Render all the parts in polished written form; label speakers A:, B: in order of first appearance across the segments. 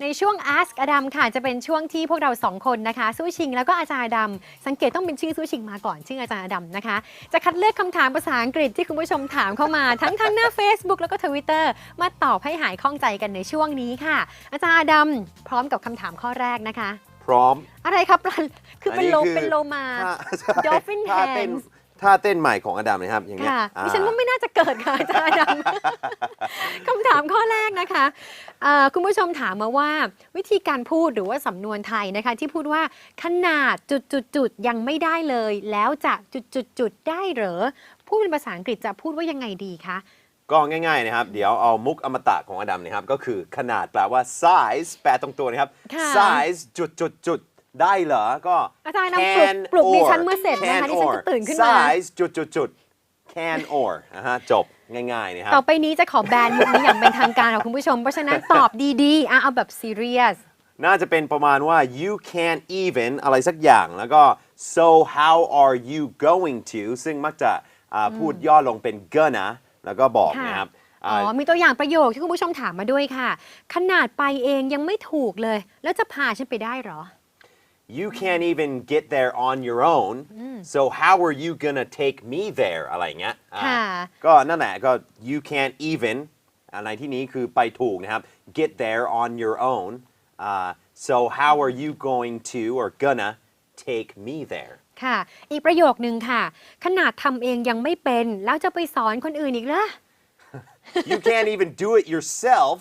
A: ในช่วง Ask อดัมค่ะจะเป็นช่วงที่พวกเรา2คนนะคะสู้ชิงแล้วก็อาจารย์อดัมสังเกตต้องเป็นชื่อสู้ชิงมาก่อนชื่ออาจารย์อดัมนะคะจะคัดเลือกคำถามภาษาอังกฤษที่คุณผู้ชมถามเข้ามาทั้งทางหน้า Facebook แล้วก็ Twitter มาตอบให้หายข้องใจกันในช่วงนี้ค่ะอาจารย์อดัมพร้อมกับคำถามข้อแรกนะคะ
B: พร้อม
A: อะไรครับคือเป็นโลมา Dolphin
B: ท่าเต้น
A: Hands
B: ท่าเต้นใหม่ของอดัมนะครับอย่างเงี้ย
A: ค่ะดิฉันว่าไม่น่าจะเกิดค่ะอาจารย์อดัม คำถามข้อแรกนะคะคุณผู้ชมถามมาว่าวิธีการพูดหรือว่าสำนวนไทยนะคะที่พูดว่าขนาดจุดยังไม่ได้เลย แล้วจะจุดได้เหรอพูดเป็นภาษาอังกฤษจะพูดว่ายังไงดีคะ
B: ก็ง่ายๆนะครับเดี๋ยวเอามุกอมตะของอดัมนะครับก็คือขนาดแปลว่า size แปลตรงตัวนะครับ size จุดได้เหรอก็
A: อาจารย์นำปลุกดิฉันเมื่อเสร็จนะคะดิฉันจะตื่นขึ้นมา
B: size จุด can or นะฮะจบง่ายๆนะครับ
A: ต่อไปนี้จะขอแบนมุกนี้อย่างเป็นทางการของคุณผู้ชมเพราะฉะนั้นตอบดีๆเอาแบบ serious
B: น่าจะเป็นประมาณว่า you can't even อะไรสักอย่างแล้วก็ so how are you going to ซึ่งมักจะพูดย่อลงเป็น gonna แล้วก็บอกนะครับ
A: มีตัวอย่างประโยคที่คุณผู้ชมถามมาด้วยค่ะขนาดไปเองยังไม่ถูกเลยแล้วจะพาฉันไปได้เหรอ
B: You can't even get there on your own so how are you gonna take me there อะไรเงี้ยก็นั่นแหละก็ you can't even อะไรที่นี้คือไปถูกนะครับ get there on your own so how are you going to or gonna take me there
A: ค่ะอีกประโยคนึงค่ะขนาดทำเองยังไม่เป็นแล้วจะไปสอนคนอื่นอีกเหรอ
B: You can't even do it yourself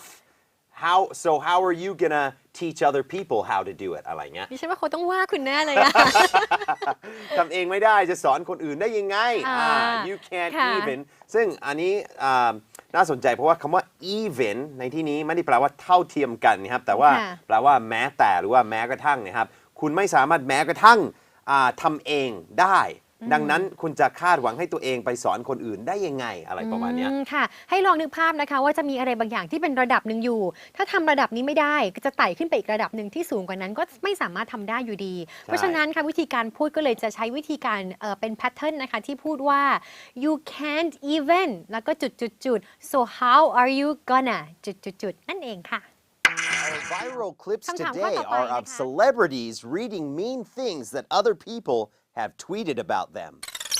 B: how are you gonna teach other people how to do it อะไรเงี้ย
A: ดิฉันว่าเขาต้องว่าคุณแน่เลยอะ
B: ทำเองไม่ได้จะสอนคนอื่นได้ยังไงyou can't even ซึ่งอันนี้น่าสนใจเพราะว่าคำว่า even ในที่นี้ไม่ได้แปลว่าเท่าเทียมกันนะครับแต่ว่าแปลว่าแม้แต่หรือว่าแม้กระทั่งนะครับคุณไม่สามารถแม้กระทั่งทำเองได้ดังนั้นคุณจะคาดหวังให้ตัวเองไปสอนคนอื่นได้ยังไงอะไรประมาณนี้
A: ค่ะให้ลองนึกภาพนะคะว่าจะมีอะไรบางอย่างที่เป็นระดับหนึ่งอยู่ ถ้าทำระดับนี้ไม่ได้ก็จะไต่ขึ้นไปอีกระดับหนึ่งที่สูงกว่านั้นก็ไม่สามารถทำได้อยู่ดีเพราะฉะนั้นค่ะวิธีการพูดก็เลยจะใช้วิธีการเป็นแพทเทิร์นนะคะที่พูดว่า you can't even แล้วก็จุด so how are you gonna จุดนั่นเองค่ะ
B: Our viral clips today are of celebrities reading mean things that other people have tweeted about them.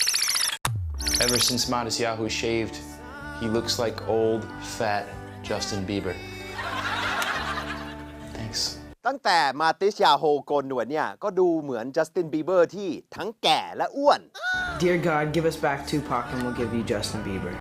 C: Ever since Matisyahu shaved, he looks like old, fat Justin Bieber. Thanks.
B: ตั้งแต่มาติสยาโฮโกนหนวดเนี่ยก็ดูเหมือนจัสตินบีเบอร์ที่ทั้งแก่และอ้วน
D: Dear God, give us back Tupac and we'll give you Justin Bieber.